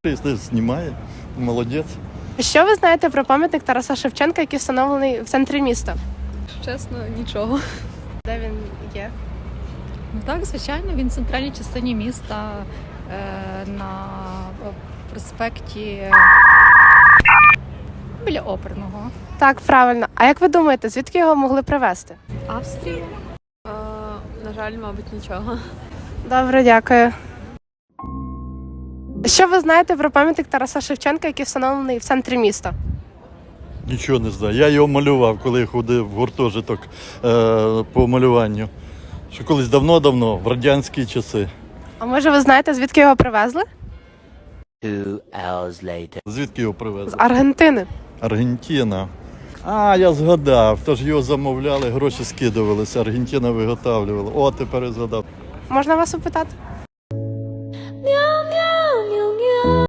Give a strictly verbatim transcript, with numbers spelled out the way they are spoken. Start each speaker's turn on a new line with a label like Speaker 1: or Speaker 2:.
Speaker 1: Якщо знімає, молодець.
Speaker 2: Що ви знаєте про пам'ятник Тараса Шевченка, який встановлений в центрі міста?
Speaker 3: Чесно, нічого.
Speaker 2: Де він є?
Speaker 4: Ну так, звичайно, він в центральній частині міста е, на проспекті біля оперного.
Speaker 2: Так, правильно. А як ви думаєте, звідки його могли привезти?
Speaker 4: Австрія.
Speaker 3: А, на жаль, мабуть, нічого.
Speaker 2: Добре, дякую. Що ви знаєте про пам'ятник Тараса Шевченка, який встановлений в центрі міста?
Speaker 1: Нічого не знаю. Я його малював, коли ходив в гуртожиток е, по малюванню. Що колись давно-давно, в радянські часи.
Speaker 2: А може ви знаєте, звідки його привезли?
Speaker 5: Two hours later.
Speaker 1: Звідки його
Speaker 2: З
Speaker 1: привезли?
Speaker 2: Аргентини.
Speaker 1: Аргентина. А, я згадав. Тож його замовляли, гроші скидувалися, Аргентина виготовлювала. О, тепер я згадав.
Speaker 2: Можна вас опитати?
Speaker 6: Ні,